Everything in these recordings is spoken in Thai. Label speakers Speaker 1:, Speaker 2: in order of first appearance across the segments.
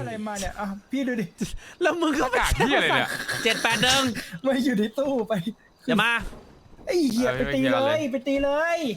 Speaker 1: อะไรมาเนี่ยอ่ะพี่ดูดิ
Speaker 2: แล้วมึงก็
Speaker 3: อากาศที่อะไรเนี่ย
Speaker 2: 781
Speaker 1: ไม่อยู่ในตู้ไป
Speaker 2: อย่ามา
Speaker 1: ไอ้เหี้ยไปตีเลยไปตีเลย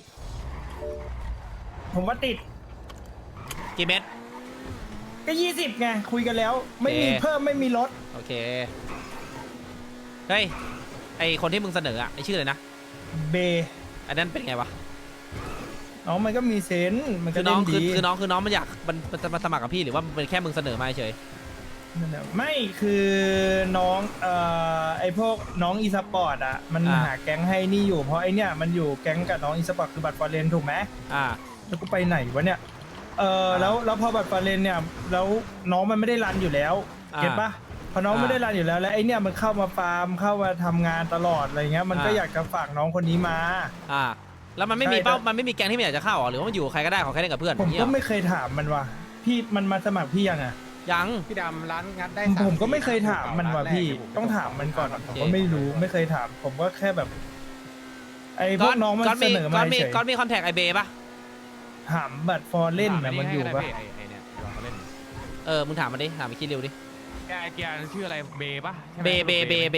Speaker 1: ผมว่าติด
Speaker 2: กี่เม็ด
Speaker 1: ก็20ไงคุยกันแล้ว ไม่มี
Speaker 2: โอเค
Speaker 1: เพิ่มไม่มีลด
Speaker 2: โอเคเฮ้ยไอคนที่มึงเสนออะไอชื่ออะไรนะ
Speaker 1: เบ
Speaker 2: อันนั้นเป็นไงวะ
Speaker 1: น้องมันก็มีเซนส์มัน
Speaker 2: คื
Speaker 1: ก็
Speaker 2: อน้
Speaker 1: เล่
Speaker 2: อง
Speaker 1: น
Speaker 2: คือ
Speaker 1: ดี
Speaker 2: คือน้องมันอยากมันจะมาสมัครกับพี่หรือว่ามันเป็นแค่มึงเสนอมาเฉย
Speaker 1: นั่นแหละไม่คือน้องไอพวกน้องอีสปอร์ตอ่ะมันหาแก๊งให้นี่อยู่เพราะไอเนี้ยมันอยู่แก๊งกับน้องอีสปอร์ตคือบัตรฟอร์เรนถูกไหม
Speaker 2: อ่า
Speaker 1: แล้วกูไปไหนวะเนี่ยแล้วพอบัตรฟอร์เรนเนี่ยแล้วน้องมันไม่ได้รันอยู่แล้วเก็ตปะพอน้องไม่ได้รันอยู่แล้วแล้วไอเนี่ยมันเข้ามาฟาร์มเข้ามาทำงานตลอดอะไรเงี้ยมันก็อยากจะฝากน้องคนนี้มา
Speaker 2: อ่า แล้วมันไม่มีเป้ามันไม่มีแก๊งที่มันอยากจะเข้าหรอหรือว่ามันอยู่กับใครก็ได้ขอแค่เล่นกับเพื่อน
Speaker 1: ผม
Speaker 2: อย่างเงี้ย
Speaker 1: ก็
Speaker 2: หรอ
Speaker 1: ไม่เคยถามมันว่ะพี่มันมาสมัครพี่ยังอ่ะ
Speaker 2: ยัง
Speaker 3: พี่ดำร้านงัดได้
Speaker 1: ผมก็ไม่เคยถามมันว่ะพี่ต้องถามมันก่อนผมก็ไม่รู้ไม่เคยถาม ผมก็แค่แบบ ไอ้พวกน้องมันเสนอมาเฉย
Speaker 2: ก้อนมีคอนแทคไอเบย์ปะ
Speaker 1: ถามบัตรฟอร์เล่นนะมันอยู่ปะ
Speaker 3: ไอเนี่ยลองมาเล่น
Speaker 2: มึงถามมันดิถามไปคิดเร็วดิ
Speaker 3: แกไอเกียร์ชื่ออะไรเบย์ปะ
Speaker 2: เบ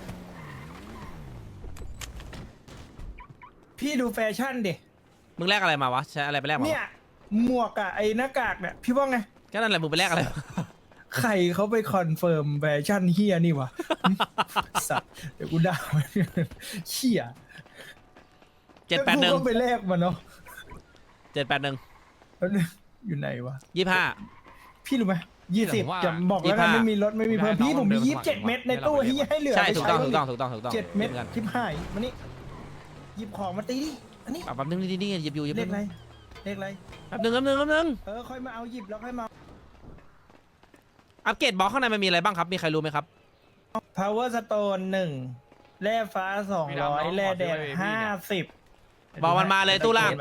Speaker 1: พี่ดูแฟชั่นดิ
Speaker 2: มึงแลกอะไรมาวะใช้อะไรไปแลกมา
Speaker 1: เนี่ยหมวกอะไอ้หน้ากากเนี่ยพี่ว่าไง
Speaker 2: ก็นั่นแหละมึงไปแลกอะไร
Speaker 1: ใครเขาไปคอนเฟิร์มแฟชั่นเฮียนี่วะ สัตว์เดี๋ยวกูด่ามันเฮีย
Speaker 2: 781
Speaker 1: แล้วกูก็ไปแลกมันเนาะ
Speaker 2: 781
Speaker 1: แล้วเนี่ยอยู่ไหนวะ
Speaker 2: 25
Speaker 1: พี่รู้ไหม20จะบอกแล้วกันไม่มีรถไม่มีเพิ่มพี่ผมมี27 เม็ดในตู้ที่ให้เหลือ
Speaker 2: ใช่ถูกต้อง
Speaker 1: ไป
Speaker 2: ถูก
Speaker 1: ใช้
Speaker 2: ต้องถูกต้องถูกต้อง
Speaker 1: 7 เม็ดทิพหายมานี่หยิบของมาตีดิอันนี้
Speaker 2: แป๊บนึงนี่หยิบอยู่
Speaker 1: เลขอะไรเลขอะไร
Speaker 2: แป๊บนึง
Speaker 1: ค่อยมาเอาหยิบแล้วค่อยมา
Speaker 2: อัปเกรดบล็อกข้างในมันมีอะไรบ้างครับมีใครรู้ไหมครับ
Speaker 1: power stone 1แร่ฟ้า200แร่แดง50
Speaker 2: บอกมันมาเลยตู้ล่าง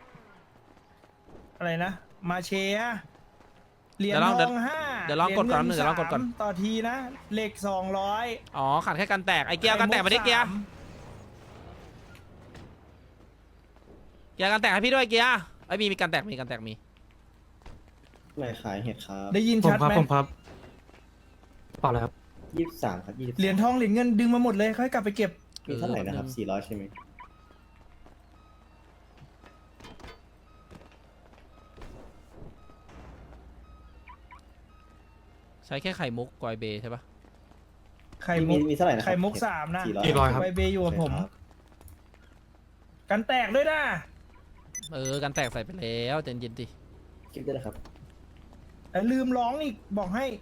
Speaker 1: อะไรนะมาเชียเหรียญ
Speaker 2: เดี๋ยวลอง
Speaker 1: ทอง5
Speaker 2: เดี๋ยวลองกดก่อน
Speaker 1: หรียญ
Speaker 2: เดี๋ยวลองกดก่อน
Speaker 1: 3ต่อทีนะเหล็ก200
Speaker 2: อ๋อขาดแค่กันแตกไอเกียร์กันแตกมาดิเกียร์กันแตกให้พี่ด้วยเกียร์ไอมีกันแตกมี
Speaker 4: ไม่ขายเห็ดครับ
Speaker 1: ได้ยินชัดไหม
Speaker 5: ผมครับเปล่าเลยครับ
Speaker 4: 23 ครับ
Speaker 1: เหรียญทองเหรียญเงินดึงมาหมดเลยค่อยกลับไปเก็บ
Speaker 4: มีเท่าไหร่นะครับ 400 ใช่ไหม
Speaker 2: ใช้แค่ไข่มุกกอยเบใช่ปะ
Speaker 1: ไข่มุก
Speaker 4: มีเท่าไหร่นะครับ
Speaker 1: ไข่มุก3นะ
Speaker 5: 400 ครับ
Speaker 1: ใบเบย์อยู่กับผม กันแตกด้วยนะ
Speaker 2: กันแตกใส่ไปแล้วเย็นๆดิ
Speaker 4: เก็บได้แล้วครับ
Speaker 1: แต่ลืมร้องอีกบอกให้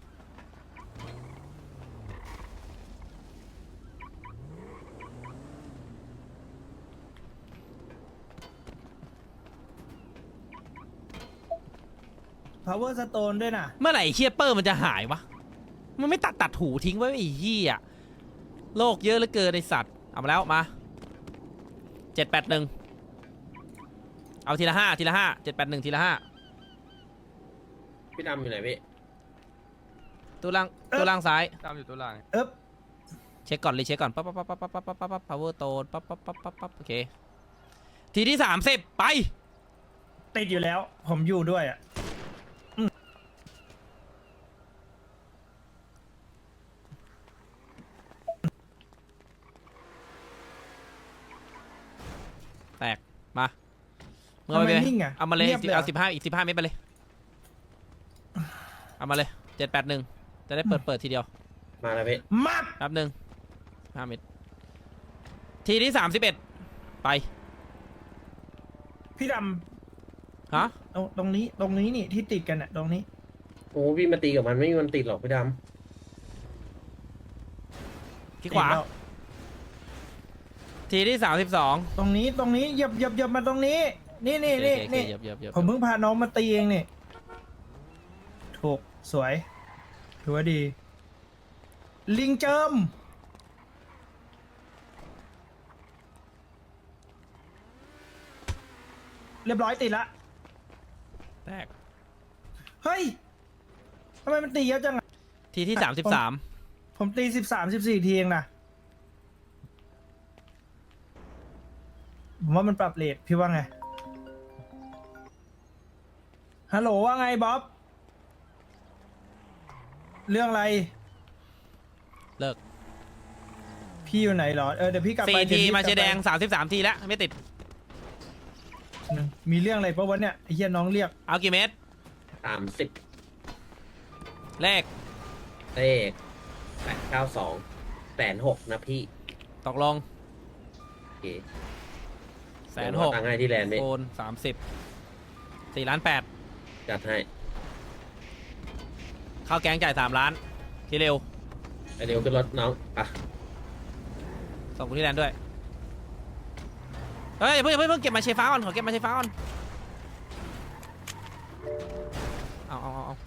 Speaker 1: power stone ด้วยนะ
Speaker 2: เมื่อไหร่เชียเปอร์มันจะหายวะมันไม่ตัดหูทิ้งไว้ไอ้เหี้ยโลกเยอะเหลือเกินไอสัตว์เอามาแล้วมา781เอาทีละ5 781ทีละ5
Speaker 6: พี่ดำอยู่ไหนพี่
Speaker 2: ตัวล่างซ้าย
Speaker 3: ตามอยู่ตัวล่าง
Speaker 2: เช็คก่อนเลยเช็คก่อนปั๊บpower stone ปั๊บโอเคทีที่30ไป
Speaker 1: ติดอยู่แล้ว ผมอยู่ด้วยอ่ะ
Speaker 2: แตกมาเมื่อไป
Speaker 1: ทำไมนิ่งอะ
Speaker 2: เอามาเลย
Speaker 1: เงียบเลยอะ
Speaker 2: เอา15อีก15เมตรไปเลยเอามาเลย781จะได้เปิดทีเดียว
Speaker 6: มาแล้วพี่
Speaker 1: มัด
Speaker 2: แป๊บนึง5 เมตรทีที่31ไป
Speaker 1: พี่ด
Speaker 2: ฮะ
Speaker 1: ำตรงนี้นี่ที่ติดกันอ่ะตรงนี้
Speaker 6: โอ้พี่มาตีกับมันไม่มีมันติดหรอกพี่ด
Speaker 2: ที่ขวา
Speaker 1: ติดแล้ว
Speaker 2: ทีที่32
Speaker 1: ตรงนี้เหยียบมาตรงนี้ นี่
Speaker 2: โอเค
Speaker 1: นี่
Speaker 2: เหยียบ
Speaker 1: ผมเพิ่งพาน้องมาตีเองนี่ถูกสวยถือว่าดี ลิงเจิมเรียบร้อยติดละ
Speaker 2: แตก
Speaker 1: เฮ้ยทำไมมันตีเยอะจังอะ
Speaker 2: ทีที่33
Speaker 1: ผมตี13-14ทีเองนะผมว่ามันปรับเรทพี่ว่าไงฮัลโหลว่าไงบ๊อบเรื่องอะไร
Speaker 2: เลิก
Speaker 1: พี่อยู่ไหนเหรอเดี๋ยวพี่กลับไป
Speaker 2: 4 ที
Speaker 1: เดี๋ยวพี่
Speaker 2: มาเชยร์แดง
Speaker 1: กลับ
Speaker 2: 33 ทีแล้วไม่ติด
Speaker 1: ไปมีเรื่องอะไรปะวะเนี่ยไอ้เหี้ยน้องเรียก
Speaker 2: เอากี่เม็ด
Speaker 6: 30
Speaker 2: เลข
Speaker 6: เลข892 160,000นะพี่
Speaker 2: ตกลง
Speaker 6: โอเค
Speaker 2: 160,000
Speaker 6: ตังค์ให้ที่แลนด์พี่
Speaker 2: โอน30 4 ล้าน 8
Speaker 6: จัดให้
Speaker 2: เข้าแก๊งจ่าย3 ล้านทีเร็ว
Speaker 6: ไอเดียวขึ้นรถน้องอ่ะ
Speaker 2: ส่งกูที่แลนด์ด้วย เฮ้ยเพิ่งเก็บมาเชฟ้าก่อนขอเก็บมาเชฟ้าก่อนเอา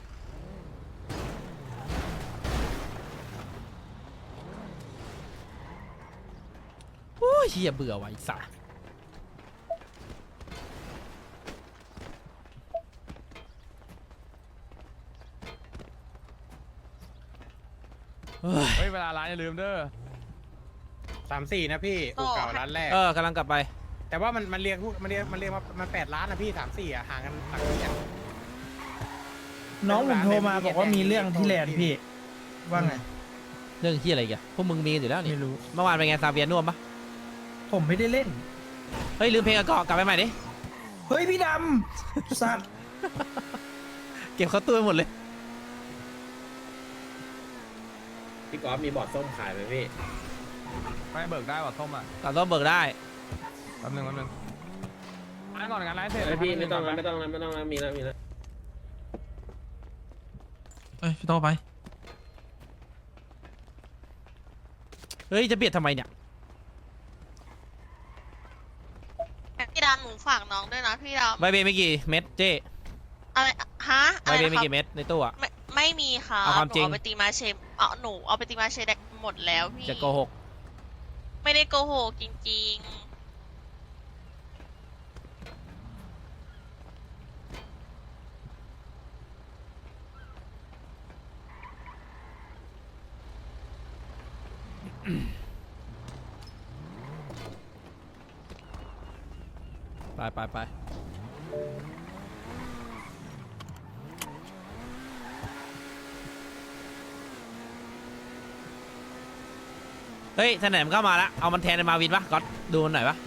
Speaker 2: โอ้ยเฮียเบื่อว่ะไอ้สัสเฮ้ย
Speaker 3: เฮ้ยเวลาร้านอย่าลืมเด้อ34นะพี่อู่เก่าร้านแรก
Speaker 2: กำลังกลับไป
Speaker 3: แต่ว่ามันเรียกมา8 ล้านนะพี่34อ่ะห่างกันหลักที่อ่ะ
Speaker 1: น้องผมโทรมาบอกว่ามีเรื่องที่แลนด์พี่ว่าไง
Speaker 2: เรื่องที่อะไรอีกันพวกมึงมีกันอยู่แล้วนี่
Speaker 1: ไม่รู้
Speaker 2: เมื่อวานเป็นไงซาเวียน่วมปะ
Speaker 1: ผมไม่ได้เล่น
Speaker 2: เฮ้ยลืมเพลงกลับไปใหม่ดิ
Speaker 1: เฮ้ยพี่ดำสัตว์
Speaker 2: เก็บเข้าตู้ไปหมดเลย
Speaker 6: พี่กอล์ฟมีบอร์ดส้มขายไหมพี่
Speaker 3: ไม่เบิกได้ว่ะส้มอ่ะ
Speaker 2: ตัดต้นเบิกได้
Speaker 3: แป๊บนึงร้านก่อนงานร้านเสร็จ
Speaker 6: ไอพี่ไม่ต้อง
Speaker 3: แล้
Speaker 6: แล้ว วไม่ต้องแล้วมีแล้ว
Speaker 2: เฮ้ยพี่โตไป เฮ้ยจะเบียดทำไมเนี่ย
Speaker 7: พี่ดำหนูฝากน้องด้วยนะพี่ดำ
Speaker 2: ใบเบย์ไม่กี่เม็ดเจ้
Speaker 7: อะไรฮะ
Speaker 2: ใบเบย์ไม่กี่เม็ดในตู้อะ
Speaker 7: ไม่มีค่ะ
Speaker 2: เอาความจริง
Speaker 7: หนูเอาไปตีมาเชฟหนูเอาไปตีมาเชฟได้หมดแล้วพี่
Speaker 2: จะโกหก
Speaker 7: ไม่ได้โกหกจริง
Speaker 2: ไปเฮ้ยแสนมเข้ามาแล้วเอามันแทนในมาวินปะก๊อตดูมันหน่อยปะ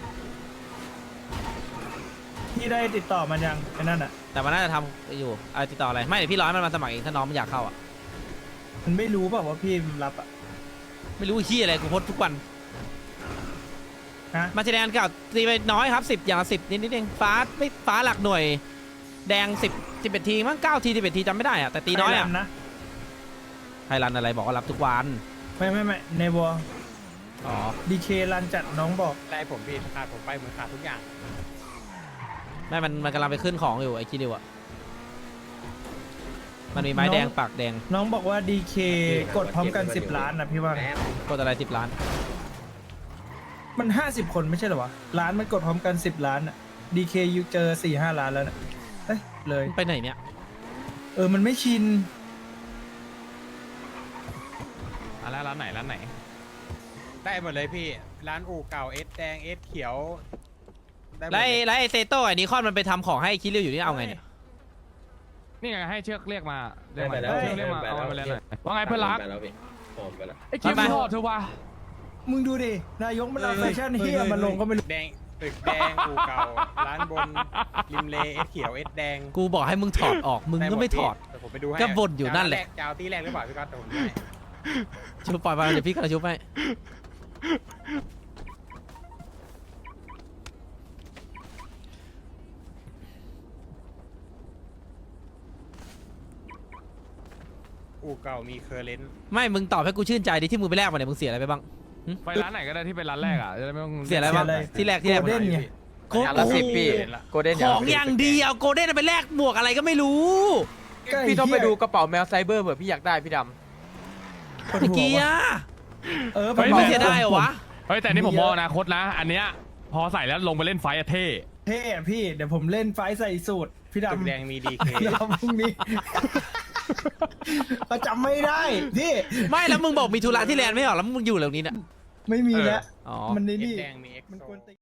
Speaker 1: พี่ได้ติดต่อมันยังไอ้นั่นอ่ะ
Speaker 2: แต่มันน่าจะทำอยู่อะไรติดต่ออะไรไม่เดี๋ยวพี่รอให้มันมาสมัครเองถ้าน้องมันอยากเข้าอะ
Speaker 1: มันไม่รู้เปล่าว่าพี่รับอ่ะ
Speaker 2: ไม่รู้ขี้อะไรกูโพสต์ทุกวัน
Speaker 1: ฮะ
Speaker 2: มาเชแดนเก่าตีไปน้อยครับ10อย่างละ10นิดเองฟ้าหลักหน่วย แดง11 ทีมั้ง9 ที 11 ทีจำไม่ได้อะแต่ตีน้อยอะ
Speaker 1: ไทแลด์นะ
Speaker 2: ไทยรันอะไรบอกว่ารับทุกวัน
Speaker 1: ไม่ในวอล
Speaker 2: อ๋อ
Speaker 1: ดีเครันจัดน้องบอก
Speaker 3: ได้ผมพี่ขาดผมไปเหมือนขาดทุกอย่าง
Speaker 2: ไม่มันกำลังไปขึ้นของอยู่ไอ้คิดิวอะมันมีไม้แดงปากแดง
Speaker 1: น้องบอกว่าดีเคกดพร้อมกัน10 ล้านนะพี่ว่า
Speaker 6: แป๊บ
Speaker 2: กดอะไร10 ล้าน
Speaker 1: มัน50 คนไม่ใช่เหรอวะล้านมันกดพร้อมกัน10 ล้านอ่ะดีเคยูเจอ4-5 ล้านแล้วนะเอ้ยเลย
Speaker 2: มันไปไหนเนี่ย
Speaker 1: มันไม่ชิน
Speaker 3: ร้านไหนได้หมดเลยพี่ร้านอู่เก่าเอสแดงเอสเขียวได้หมด
Speaker 2: แล้ว
Speaker 3: เลย
Speaker 2: ไอ้เซโต้ไอ้นิคอนมันไปทำของให้คิริวอยู่นี่เอาไงเนี่ย
Speaker 3: นี่ไงให้เชือกเรียกมา
Speaker 6: ได้ไปแล้ว
Speaker 3: เชือกเรียกมาเอาไปเลยหน่อยว่าไงเพื่อนรัก
Speaker 6: ไปแล้วพี่หอมไปแล้ว
Speaker 3: ไอ้คิวโทษเธอวะ
Speaker 1: มึงดูดินายกมันเอาแฟชั่นเฮียมาลงก็ไม่รู้
Speaker 3: แดงตึกแดงอู่เก่าร้านบนริมเลเอสเขียวเอสแดง
Speaker 2: กูบอกให้มึงถอดออกมึงก็ไม่ถอด
Speaker 3: แต่ผมไปดูให้
Speaker 2: ก็บ่นอยู่นั่นแหละ
Speaker 3: จะเอาตีแรกหรือเปล่าพี่ก๊อตแต่ผมไม่ให้
Speaker 2: ชุบปล่อยไปเดี๋ยวพี่กระชุบให้
Speaker 3: อู่เก่ามีเคอร์เรนต์
Speaker 2: ไม่มึงตอบให้กูชื่นใจดิที่มึงไปแลกมาเนี่ยมึงเสียอะไรไปบ้าง
Speaker 3: ไปร้านไหนก็ได้ที่เป็นร้านแรกอ่ะจะได้ไม่ต้อง
Speaker 2: เสียอะไรบ้างที่แรก
Speaker 1: โกลเด้นไง
Speaker 2: โอ้
Speaker 3: อย่างละ
Speaker 2: โห
Speaker 3: 10พี่โกลเด้น
Speaker 2: ของอย่างดีเอาโกลเด้นไปแลกหมวกอะไรก็ไม่รู้
Speaker 8: พี่ต้องไปดูกระเป๋าแมวไซเบอร์เผื่อพี่อยากได้พี่ด
Speaker 2: ตะกี้อะ ไม่เสียได้เหรอวะ
Speaker 3: เฮ้ยแต่นี่ผมมองอนาคตนะ อันเนี้ยพอใส่แล้วลงไปเล่นไฟอะเท่
Speaker 1: เท่อะพี่เดี๋ยวผมเล่นไฟท์ใส่สูตรพี่
Speaker 3: ตึก
Speaker 1: ดำ
Speaker 3: แดงมีดีเค
Speaker 1: เราพรุ่งนี้ เราจำไม่ได้พี่
Speaker 2: ไม่แล้วมึงบอกมีธุระที่แลนด์ไม่เหรอแล้วมึงอยู่เหล่านี้เนี่ย
Speaker 1: ไม่มีแล้ว
Speaker 2: อ๋อ
Speaker 1: มันใน
Speaker 3: เอส
Speaker 1: นี่
Speaker 3: แดงมีเอ็ก
Speaker 1: มัน
Speaker 3: โซ
Speaker 1: ควรตี